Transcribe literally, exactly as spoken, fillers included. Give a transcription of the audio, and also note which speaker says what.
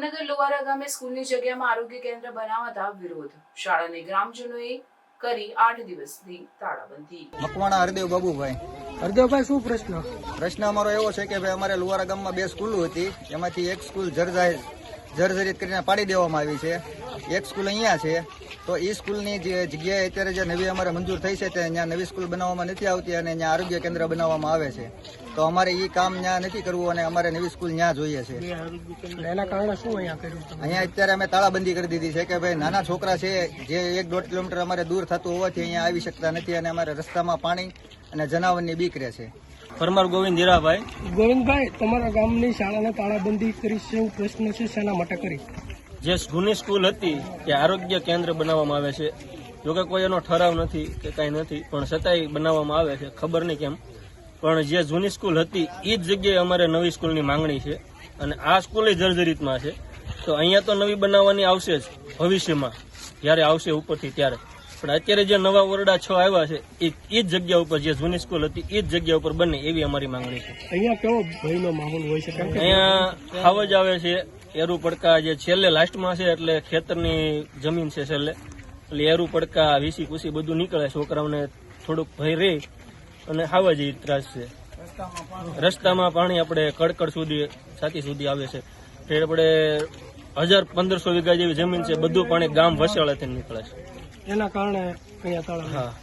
Speaker 1: ભાવનગર લોહારા ગામે સ્કૂલની જગ્યામાં આરોગ્ય કેન્દ્ર બનાવતા વિરોધ. શાળાને ગ્રામજનોએ કરી આઠ દિવસની તાળાબંધી.
Speaker 2: મકવાણા હરદેવ બાબુભાઈ.
Speaker 3: હરદેવભાઈ, શું પ્રશ્ન?
Speaker 2: પ્રશ્ન અમારો એવો છે કે ભાઈ અમારે લુવારા ગામમાં બે સ્કૂલો હતી, એમાંથી એક સ્કૂલ જર્જાહિર જર્જરિત કરીને પાડી દેવામાં આવી છે. એક સ્કૂલ અહીંયા છે, તો એ સ્કૂલની જે જગ્યાએ અત્યારે જે નવી અમારે મંજૂર થઈ છે તે ત્યાં નવી સ્કૂલ બનાવવામાં નથી આવતી અને ત્યાં આરોગ્ય કેન્દ્ર બનાવવામાં આવે છે. તો અમારે એ કામ ત્યાં નથી કરવું અને અમારે નવી સ્કૂલ ત્યાં જોઈએ છે.
Speaker 3: એના કારણે શું અહીંયા કર્યું તમે?
Speaker 2: અહીંયા અત્યારે અમે તાળાબંધી કરી દીધી છે કે ભાઈ નાના છોકરા છે જે એક દોઢ કિલોમીટર અમારે દૂર થતું હોવાથી અહીંયા આવી શકતા નથી અને અમારે રસ્તામાં પાણી અને જનાવરની બીક રહે છે.
Speaker 4: પરમાર ગોવિંદ હીરાભાઈ.
Speaker 3: ગોવિંદભાઈ, તમારા ગામની શાળાને તાળાબંધી કરી છે એવું પ્રશ્ન છે, શેના માટે કરી?
Speaker 4: જે જૂની સ્કૂલ હતી તે આરોગ્ય કેન્દ્ર બનાવવામાં આવે છે. જોકે કોઈ એનો ઠરાવ નથી કે કાંઈ નથી, પણ છતાંય બનાવવામાં આવે છે, ખબર નહીં કેમ. પણ જે જૂની સ્કૂલ હતી એ જ જગ્યાએ અમારે નવી સ્કૂલની માંગણી છે અને આ સ્કૂલ જર્જરિતમાં છે. તો અહીંયા તો નવી બનાવવાની આવશે જ ભવિષ્યમાં, જ્યારે આવશે ઉપરથી ત્યારે. પણ અત્યારે જે નવા ઓરડા છ આવ્યા છે એ એ જ જગ્યા ઉપર જે જૂની સ્કૂલ હતી એ જ જગ્યા ઉપર બને એવી અમારી માંગણી છે.
Speaker 3: અહીંયા કેવો ભયનો માહોલ હોય છે? કારણ કે
Speaker 4: અહીંયા ખાવ જ આવે છે. એરુ પડકા જે છેલ્લે લાસ્ટમાં છે એટલે ખેતરની જમીન છે છેલ્લે, એટલે એરુ પડકા વીસી કુસી બધું નીકળે. છોકરાઓને થોડુંક ભય રહે અને ખાવા જેવી ત્રાસ છે. રસ્તામાં પાણી આપણે કડકડ સુધી છાતી સુધી આવે છે. એટલે આપણે હજાર પંદરસો વીઘા જેવી જમીન છે, બધું પાણી ગામ વસાળેથી નીકળે છે.
Speaker 3: એના કારણે અહીંયા તાળા.
Speaker 4: હા.